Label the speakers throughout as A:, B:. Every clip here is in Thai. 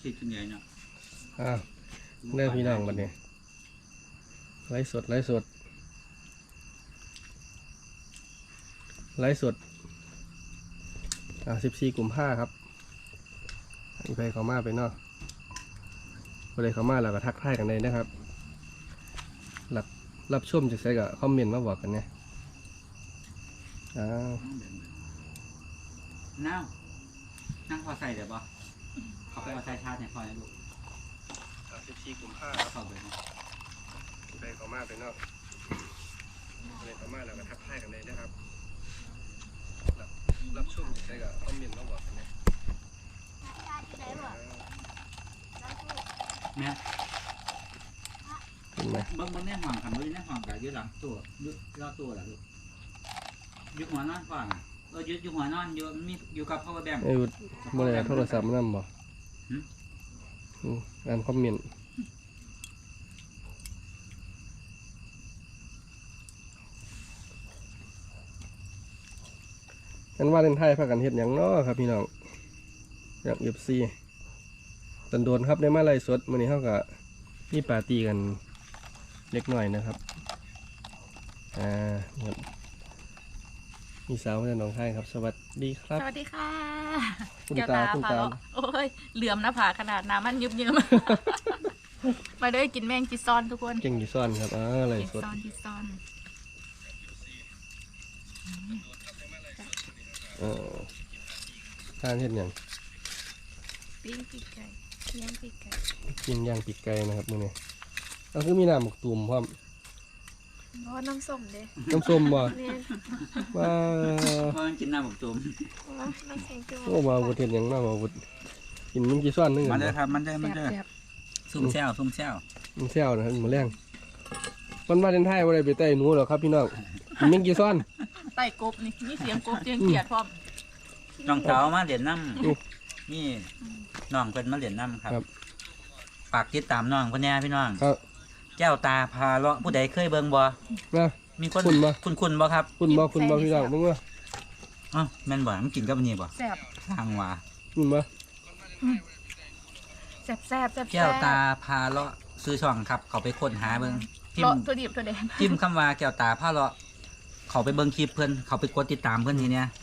A: คิดกันใหญ่เนาะ
B: เรื่องพี่น้องบัดนี้ไลฟ์สด14 กุมภาพันธ์ครับไปเขามาไปเนาะไปเลยเขามาแล้วก็ทักทายกันเลยนะครับรับชมจากใส่กับคอมเมนต์มาบอกกันเนี่ย
A: นั่งพอใส่เดี๋ยวบ่เขาไปเอาใส่ชาร์จเนี่ยพอแล้วลูก
B: 14 กุมภาพันธ์ครับไปเขามาไปเนาะไปเลยเขามาแล้วก็ทักทายกันเลยนะครับรับชมจากใส่กับคอมเมนต์มาบอกกันเนี่ย
A: แม่
B: เป็นไหม
A: บางแน่ห่างคำว่าแน่ห่างกับยืดหลังตัวยืดรอบตัวแหละลูกยืดหัวนอนฟังยืดหัวนอนยืดมีอยู่กับพ่อแบงค์
B: เมื่อไรโทรศัพท์นั่นบ่อ่านคอมเมนต์กันว่าเล่นไทยพากันเฮ็ดอย่างน้อครับพี่น้องอย่างFCตันโดนครับได้มาไล่สดมื้อนี้เฮาก็มีปาร์ตี้กันเล็กน้อยนะครับครับมีสาวมาจากหนองคายครับสวัสดีครับ
C: สวัสดีค่ะ
B: คุณตา
C: โอ้ยเหลื่อมหน้าผาขนาดน้ำมันยุบมาด้วยกินแมงจีซอนทุกคน
B: เก่งจีซอนครับอะไรสด
C: จีซอน
B: ทานเฮ็ดอย่าง
C: ปิ้งปีกไก่ย่างปีกไก่
B: ปิ้งย่างปีกไก่นะครับมื้อนี้ก็คือมีน้ำหมกตุ่มพร้อม
C: น้ำส้มเด้
B: น้ำส้มบ่
A: ว่ากินน้ำหมกตุ่ม
C: น้ำแข็งจุ่ม
B: โอ้มาบุตรเห็นอย่างน่ามาบุตรกินมันกี่ซ้อนนึง
A: มันได้ครับมันได้ซุ่มแซว
B: มันแซวนะครับมาแรงมันมาเล่นไทยว่าอะไรไปไต่หนูหรอครับพี่น้องมันกี่ซ้อน
C: ไต่กบนี่เสียงกบเสียงเกียดพร้อม
A: น้องเต๋ามาเหรียญน้ำนี่น้องเป็นมาเหรียญน้ำครับปากติดตามน้องคนนี้พี่น้องแก้วตาพาเลาะผู้ใดเคยเบิ่งบ่มีคนคุณบ่ครับ
B: คุณบ่พี่น้องมึงว่า
A: แม่นบ่มันกินกับอันนี้บ่
C: แซ่บ
A: ทางว่า
B: คุณบ่
C: แซ่บ
A: แก้วตาพาเลาะซื้อช่องครับเขาไปค้นหาเบิ่ง
C: ตัวดิบตัวแดง
A: จิ้มคำว่าแก้วตาพาเลาะเขาไปเบิ่งคลิปเพิ่นเขาไปกดติดตามเพิ่นทีเนี้ย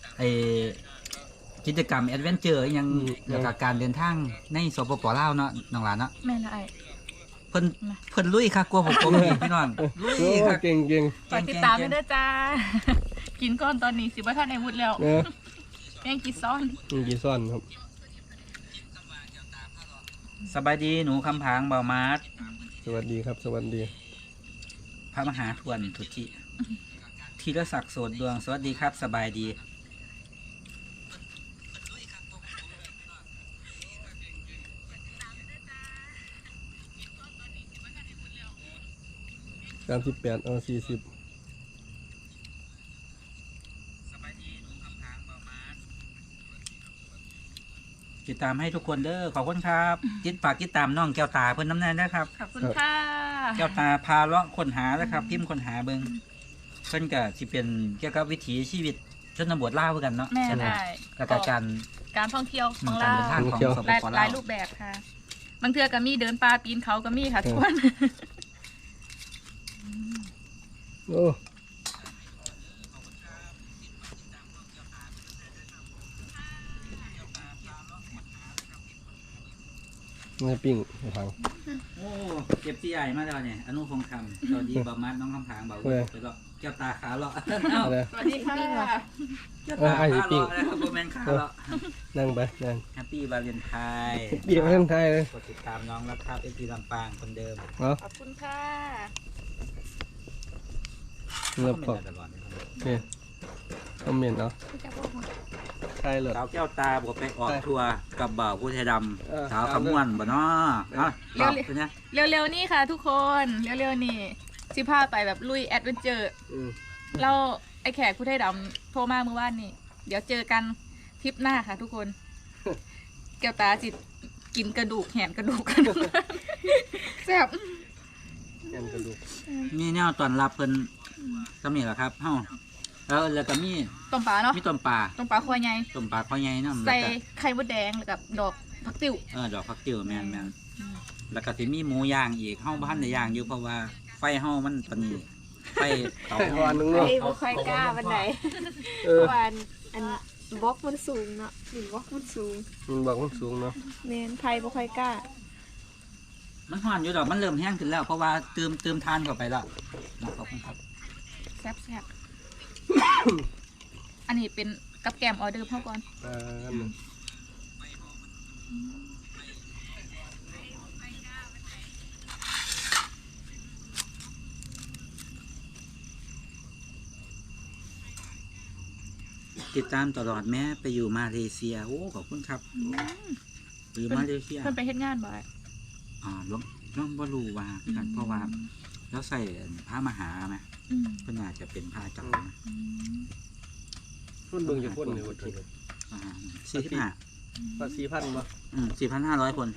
A: กิจกรรมแอดเวนเจอร์ยังเกี่ยวกับการเดินทางในสปป.ลาวเนาะน้องหลานเนาะ
C: แม่นไอ้
A: เพิ่นลุยค่ะกลัวผมพี่น้องลุยค่ะ
B: เก่ง
C: ฝากติดตามด้วยนะจ้ากินก้อนตอนนี้สิบ่ทันได้วุดแล้วแมงกีซ้อน
B: ครับ
A: สบายดีหนูคำผางเบามาด
B: สวัสดีครับสวัสดี
A: พระมหาทวนทุจิธีรศักดิ์โสดดวงสวัสดีครับสบายดี
B: 38 40
A: ติดตามให้ทุกคนเด้อขอบคุณครับฝากติดตามน้องแก้วตาเพิ่นน้ำแน่นะครับ
C: ขอบคุณค่ะ
A: แก้วตาพาเลาะค้นหานะครับพิมพ์ค้นหาเบิ่งเพิ่นก็สิเป็นเกี่ยวกับวิถีชีวิตชนบทลาวกันเนาะ
C: แม่ได้
A: แล้วก็
C: การท่องเที่ยวของลาวหลายรูปแบบค่ะบางเทื่อก็มีเดินป่าปีนเขาก็มีค่ะทุกคน
B: โอ้ไม่ปิ้งไม่พัง
A: โอ้เก็บที่ใหญ่มาแล้วเนี่ยอนุพงษ์คำสวัสดีบามัดน้องคำผางเบาไปก็แก้วตาขาเลาะ
C: สวัสดีค่ะ
A: แก้วตาขาเลาะนะครับโบแมนขาเลาะ
B: นั่งไปนั่ง
A: แฮปปี้วาเลนไทน์
B: ปีวาเลนไทน์เลย
A: กดติดตามน้องรับครับเอพีลำปางคนเดิม
C: ขอบคุณค่ะ
B: เริ่มก่อนนี่คอมเมนต์เนาะใช่เลย
A: สาวแก้วตาบอกไปออกทัวร์กับบ่าวผู้ชายดำสาวขมวนบ่เนาะ
C: เร็วๆนี่ค่ะทุกคนเร็วๆนี่สิพาไปแบบลุยแอดเวนเจอร์เราไอแขกผู้ชายดำโทรมาเมื่อวานนี่เดี๋ยวเจอกันทริปหน้าค่ะทุกคนแก้วตาจิตกินกระดูกแหนกระดูกกันแซ่บ
B: แหนกระดูก
A: มีแนวตอนรับเพิ่นสำเนียงเหรอครับเฮ้าแล้วก็มี
C: ต้มปลาเนาะ
A: มีต้มปลา
C: คอใหญ่
A: ต้มปลาคอใหญ่เนาะ
C: ใส่ไข่มดแดงแล้วกับดอกผักติ๋ว
A: ดอกผักติ๋วแม่นแล้วก็สิมีหมูย่างอีกเฮาบ่ทันได้ย่างอยู่เพราะว่าไฟเฮามันตอนนี้ไฟเตา
B: ไอ้วันนึงเนาะ
D: ไอ้บ่ค่อยกล้าวันไหน
B: เอ
D: เพ
B: อ
D: ราะว่าอันบล็อกมันสูงเนาะหรือบล็อกมันสูง
B: มันบอกมันสูงเนาะ
D: แม่นไผบ่ค่อยกล้า
A: มันฮ้อนอยู่ดอกมันเริ่มแห้งขึ้นแล้วเพราะว่าเติมทานเข้าไปแล้วขอบคุณครับ
C: แซ่บอันนี้เป็นกับแกมออเดอร์เท่าก่อน
B: อันนึง
A: ติดตามตลอดแม้ไปอยู่มาเลเซียโอ้ขอบคุณครับไปอยู่มาเลเซีย
C: เพิ่นไปเฮ็ดงานบ่อย
A: น้องบ่รู้ว่ากันเพราะว่าแล้วใส่ผ้ามหาไหมเพิ่นอาจจะเป็นผ้าจำนะ
B: คนเบิ่งจะคนเลยวันที่
A: 45
B: ภาษีพันบ่
A: 4,500 คน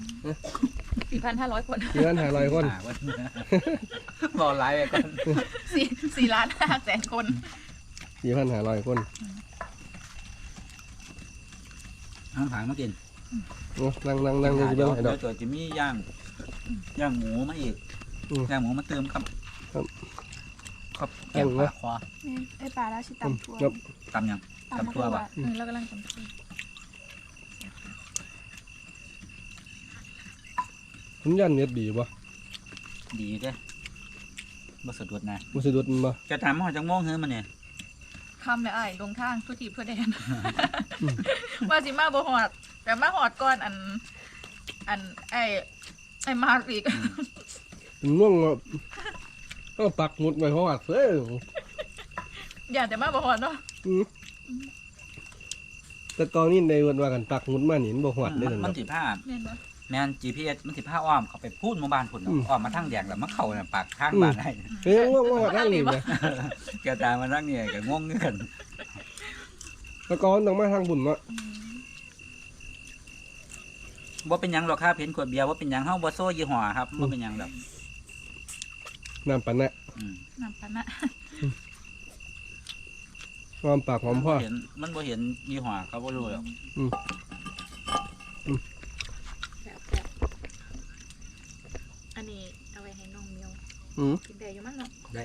C: 4,500 คน
B: 4,500 คน
A: บอกไลฟ์ไปก่อน
C: 4 ล้าน5แสนคน
B: 4,500 คน
A: น้ำผางมากิน
B: นั่งจะเบิ่งให้ดอก
A: เดี๋ยวจะมีย่างหมูมาอีกย่างหมูมาเติมครับแกงปลาคอ
D: แม่นไอ้ปลาแล้วสิตำทั่ว
B: ครับ
A: ตำยัง
C: ตำ
A: ตัวป่ะ
C: แล้วกำลังตำทั่ว
B: คุณยันเน็ตดีบ่
A: ดีเด้บ่สะดุดนะ
B: บ่สะดุดมันบ่
A: จะถามว่าจังโมงเฮ้ยมันเนี่ย
C: คำและอ้ายลงทางทุกทีเพื่อแดน ว่าสิมาบ่ฮอดแต่มาฮอดก่อนอันไอ้มาอีก
B: เป็นง่วงก็ปักหมุดไว้เพราะว่าเอ้ย
C: อย่าแต่มาบ่ฮอดเนาะ
B: แต่ตอนนี้ในวันว่ากันปักหมุดมานี่มันบ่ฮอดได้นั่น
A: มัน
B: เนาะ
A: สิผ้า
C: แม่นบ่
A: แม่น GPS มันสิผ้าอ้อมเขาไปพูดหมู่บ้านพุ่นอ้อมมาทางแดงแล้วมาเข้าน่ะปากทางบ้านได้
B: เฮ้ยง่วงฮอดทางนี้แหม
A: แกตามมาทางนี้ก็งงคือกัน
B: แต่ก่อนต้องมาทางบุญเนาะ
A: บ่เป็นหยังหรอกครับเห็นขวดเบียร์ว่าเป็นหยังเฮาบ่โซ่ยี่ห้อครับบ่เป็นหยังดอก
B: น้ำปานนะ
C: น้ำปานะ
B: หอมปากหอมพ่อ
A: มันบ่เห็นยี่ห้อเขาบ่รู้หรอก
C: แบบอันนี้เอาไว้ให้น้องเมียว
B: อืม
C: กินได้อยู่มั้งเนาะ
A: ได้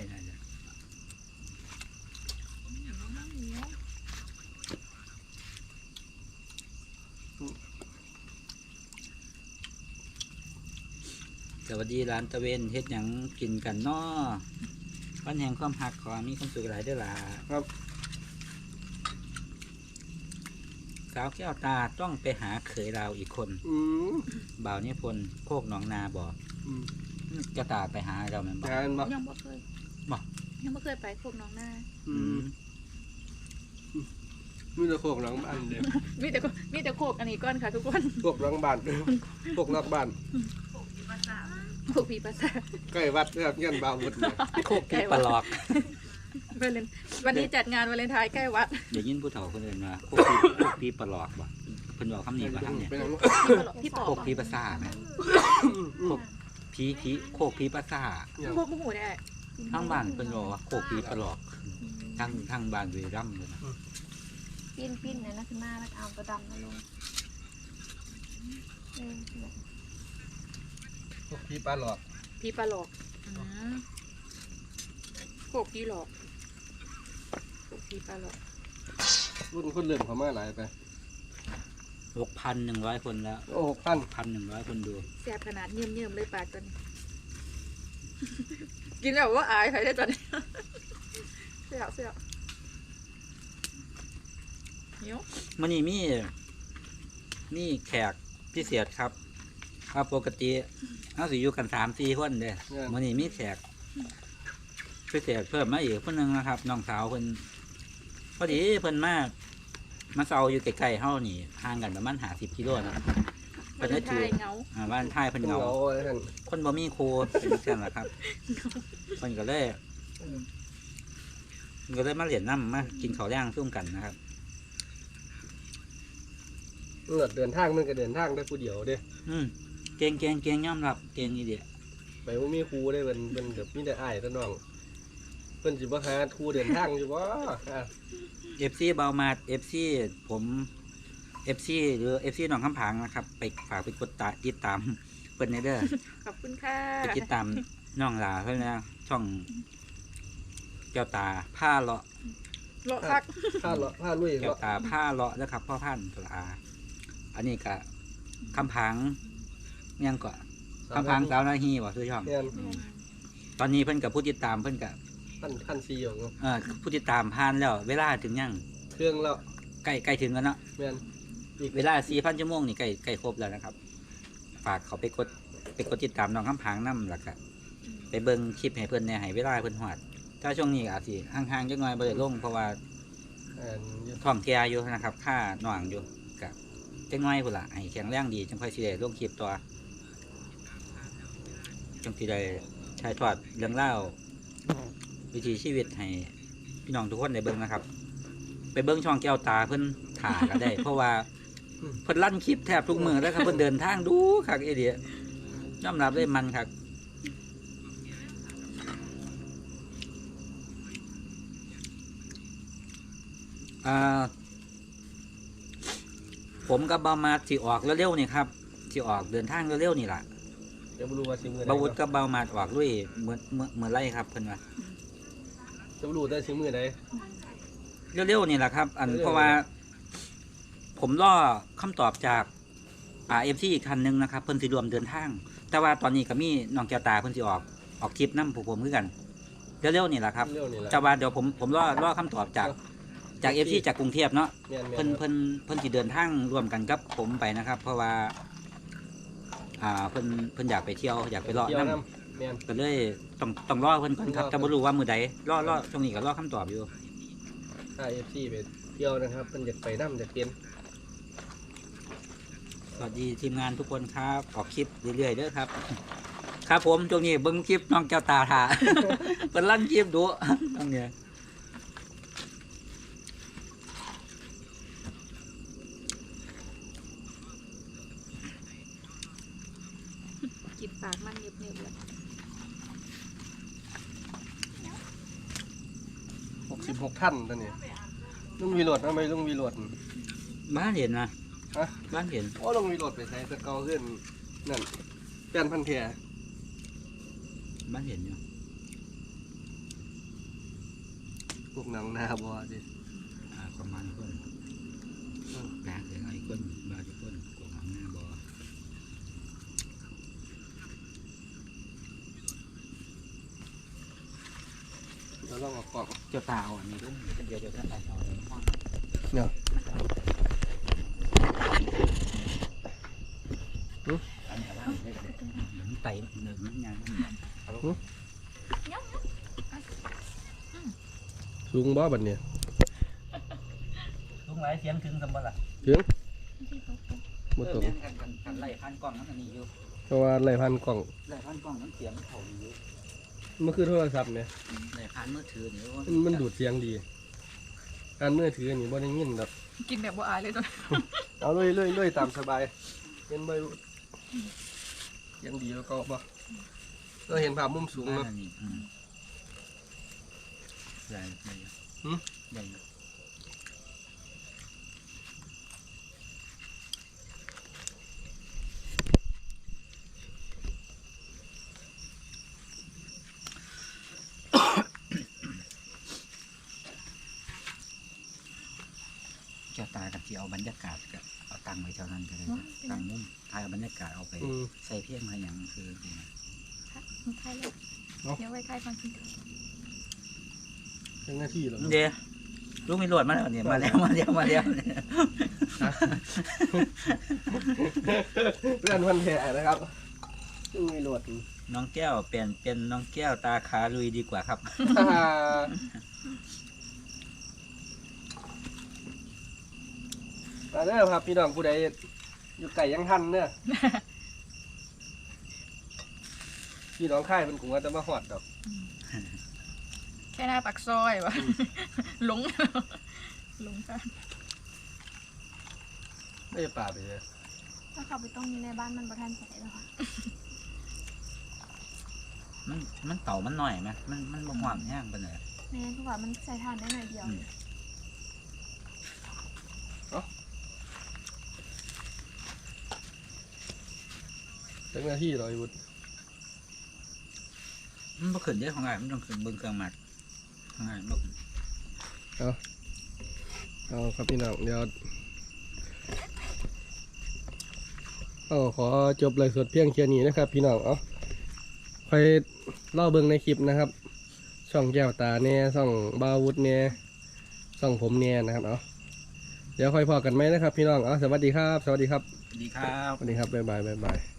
A: สวัสดีร้านตะเวนเฮ็ดหยังกินกันน้อวันแห่งความหักขอมีความสุขหลายเด้อล่ะ
B: ครับ
A: สาวแก้วตาต้องไปหาเขยเราอีกคน
B: อืม
A: บ่าวนิพนธ์โคกหนองนาบ่
B: อืม
A: แก้วตาไปหาเราแม่นบ่
B: งานบ่
C: ยังบ่เคย
A: บ่
C: ยังบ่เคยไปพวกน้องหน้า
B: อืมมีแต่โคกหลังบ้านเด้
C: มีแต่โคกอันนี้ก่อนค่ะทุกคน
B: โคกหลังบ้านโคกนอกบ้าน
C: โคกปีภาษา
B: ใกล้วัดนะครับเงี้ยบ่าววุฒิเนี่ย
A: โคกที่ปลอก
C: วันนี้จัดงานวาเลนไทน์ใกล้วัด
A: เดี๋ยวยินผู้เฒ่าคนอื่นว่าโคกพี่ปลอกบ่เพิ่นบอกคำนี้ว่าทางเนี่ย
B: เป็นหยัง
C: พี่ปอ
A: โคกพี่ภาษาแม่โคกผีโคกพี่ภาษา
C: พวกหูได้
A: ทางบ้านเพิ่นบอกว่าโคกพี่ปลอกทางบ้านเวรัมเลยนะ
D: ปิ้นๆนะขึ้นมาแล้วเอาตัวดำมาลงเออ
B: โคกพี่ปลาหลอก
C: พี่ปลาหลอกโคกพี่หลอกโคกพี่ปลาหลอก
B: รุ่นคนเริ่มเข้ามาหลายไป
A: 6,100 คนแล้ว
B: โอ้6,000
A: 1,100 คนดู
C: แซ่บขนาดเยี่ยมเลยปลาตัวนี้ กินแบบว่าอายใครได้ตอนนี้เสี่ยวเดี๋ยว
A: มื้อนี้มีแขกพิเศษครับปกติเฮาสิอยู่กัน 3-4 คนเด้มื้อนี้มีแขกพิเศษเพิ่มมาอีกคนนึงนะครับน้องสาวเพิ่นพอดีเพิ่นมาเซาอยู่ใกล้ๆเฮานี่ห่างกันประมาณ50 กิโลนะ
C: วาเลนไทน์เหงา
A: บ้านท้ายเพิ่นเหงา
B: อะไรนั่น
A: คนบ่มีครูเป็นเช่นล่ะครับเพิ่นก็เลยมาเรียนน้ำมากินข้าวย่างซุ่มกันนะครับ
B: เดินทางมันก็เดินทางได้ผู้เดียวเด้
A: เก่งยอมรับเก่งอีเดีย
B: ไปบ่มีครูได้เป็นแบบมีแต่อ้ายแต่น้องเพิ่นสิบ่หาครูเดินทางอยู่บ่
A: FC เบามาด FC ผม FC หรือ FC หนองคำผางนะครับ ไปฝากไปกดติดตามเพิ่นในเด้อ
C: ขอบคุณค่ะ
A: ไปติดตามน้องหลาเพิ่นนะช่องแก้วตาผ้าเลาะ
C: โลคัก
B: ผ้าลุย
A: แก้วตาผ้าเลาะนะครับพ่อพันธุ์สลาอันนี้ก็คำผางยังก็คำผางสาวนาฮีบ่ซื้อช่อง
B: เนี่ย
A: ตอนนี้เพิ่นกับผู้ติดตามเพิ่นกับ
B: พันซีอยู่
A: ผู้ติดตามผ่านแล้ว เวลาถึงยัง
B: เครื่องแล้ว
A: ใกล้ถึงแล้วเนาะ
B: แม่นอีก
A: เวลา 4,000 ชั่วโมงนี่ใกล้ครบแล้วนะครับ ฝากเขาไปกดติดตามน้องคำผางนำล่ะครับไปเบิ่งคลิปให้เพิ่นเนี่ยให้เวลาเพิ่นฮอดถ้าช่วงนี้อาจสิห่างๆจักหน่อยบ่ได้ลงเพราะว่า ท้องแก่อยู่นะครับค่าหน่วงอยู่กับจังน้อยพุ่นละให้แข็งแรงดีจังค่อยสิได้ลงคลิปต่อจังสิได้ถ่ายทอดเรื่องเล่าววิถีชีวิตให้พี่น้องทุกคนได้เบิ่งนะครับ ไปเบิ่งช่องแก้วตาเพิ่นถ่าก็ได้ เพราะว่าเพิ่นลั่นคลิปแทบทุกมื้อแล้วครับเพิ่นเดินทางดูคักเอเดียยอมรับได้มันครับผมกับบามาสิออกเร็วๆนี่ครับสิออกเดินทางเร็วๆนี่ล่ะ
B: จะบ่รู้ว่าสิมื้อใด
A: บาวุฒกับบามาออกด้วยเหมือนไรครับเพิ่นว่า
B: จะบ่รู้ได้สิมื้อใด
A: เร็วๆนี่แหละครับ เพราะว่า ผมรอคำตอบจากFC อีกคันหนึงนะครับเพิ่นสิรวมเดินทาง แต่ว่าตอนนี้ก็มีน้องแก้วตาเพิ่นสิออกคลิปนำผู้ผมคือกันเร็วๆนี่แหละครับ
B: เร็วนี่แหละ
A: จะว่าเดี๋ยวผมรอคำตอบจาก FC จากกรุงเทพเนาะ
B: แม่น
A: เพิ่นสิเดินทางร่วมกันกับผมไปนะครับ เพราะว่าเพิ่นอยากไปเที่ยวอยากไปเลาะ
B: เที่ยว
A: น้ำ
B: นำแม่น
A: ก็เลยต้องรอเพิ่นก่อนครับแต่บ่รู้ว่ามื้อใดรอช่วงนี้ก็รอคำตอบอยู่
B: ถ้า FC ไปเที่ยวนะครับเพิ่นอยากไปนำอยากเปลี่ยน
A: สวัสดีทีมงานทุกคนครับออกคลิปเรื่อยๆเด้อครับ ครับผมช่วงนี้เบิ่งคลิปน้องแก้วตาท่า เพิ่นลั่นคลิปดูตรงเนี้ย
C: กินปากมันเน็บๆเลย
B: 66ท่านตอนนี้ลุงวิโรจน์ทำไมลุงวิโรจน์
A: บ้านเห็นนะ
B: ฮะ
A: บ้านเห็น
B: โอ้ลุงวิโรจน์ไปใส่ตะเกาขึ้นนั่นแป้นพันแพร
A: บ้านเห็นอยู่
B: พวกหนังหน้าบ่ดิ
A: ประมาณคนแปลกเลยไอ้คนบาดคนกวางหน้าบ่
B: เดี๋ยวลองเออกกล่อง
A: เจ้าตาอันนี้ด้วยเดี๋ยวจะไปเอา
B: เนี่ย
A: อันนี้ว่าได้ก็ได้หนึ่งไตหนึ่งงาน
B: สูงบ่บัดเนี่ย
A: ลุงไรเสียงถึงสมบัติล่ะ
B: ถึงบ่ตรง
A: กันไล่พันกล้องนั้นอันนี้อยู่
B: เพราะว่าไล่พันกล่อง
A: ไล่พันกล้องนั้นเสียงเขาอยู่
B: มันคือโทรศัพท์เนี่ย
A: ไล่พันมือถือนี่
B: มันดูดเสียงดีการมือถือนี่บ่ได้ยินดอก
C: กินแบบบ่อายเลยตัว
B: เอาเลยตามสบายเห็นบ่เสียงดีแล้วก็บ่เราเห็นภาพมุมสูง
A: นั่
B: เนาะ
A: นนี่ใหญ่ใหญ่
B: หืม
A: ใหญ่จะตายกับที่เอาบรรยากาศกับเอาตังไว้เท่านั้นก็เลยตังมุมถ่ายเอาบรรยากาศเอาไป
B: อืม
A: ใส่เพียงอะไรอย่างคือ
C: มีใครเลยเดี๋ยวไว้ใครฟังกิน
B: เป็นหน้าที่เหรอ
A: เดี๋ยวลูกมีหลวดมาแล้วเนี่ยมาแล้วเนี่ย
B: เพื่อนพันแพรนะครับซึ่งมีโหลด
A: น้องแก้วเปลี่ยนเป็นน้องแก้วตาขาลุยดีกว่าครับ
B: มาเด้อครับพี่น้องผู้ใดอยู่ไก่ยังทันเด้อ พี่น้องค่ายเป็นกลุ่มว่าจะมาหอดดอก
C: แค่หน้าปากซอยวะหลงกัน
B: ไม่จะป่าไปเลย
D: ถ้าเขาไปต้มอยู่ในบ้านมันประทันใส่แล้วค่ะ
A: มันเต่ามันหน่อยไหมมันบ่หวานแห้งไปเลย
D: แม่ทุกว่ามันใส่ทานได้หน่อยเดียว
B: สักนาทีรอยบุตร
A: มันบ่ขึ้นเด้ของอ้ายมันต้องขึ้นเบิ่งเครื่องหมักของอ้ายบ่ขึ้น
B: เอาครับพี่น้องเดี๋ยวขอจบเลยสดเพียงแค่นี้นะครับพี่น้องคอยเล่าเบิ่งในคลิปนะครับช่องแก้วตาเนี่ยช่องบาวุฒเนี่ยช่องผมเนี่ยนะครับเดี๋ยวค่อยพอกันไหมนะครับพี่น้องสวัสดีครับ สวัสดีครับ
A: สวัสดีครับ
B: สวัสดีครับบ๊ายบาย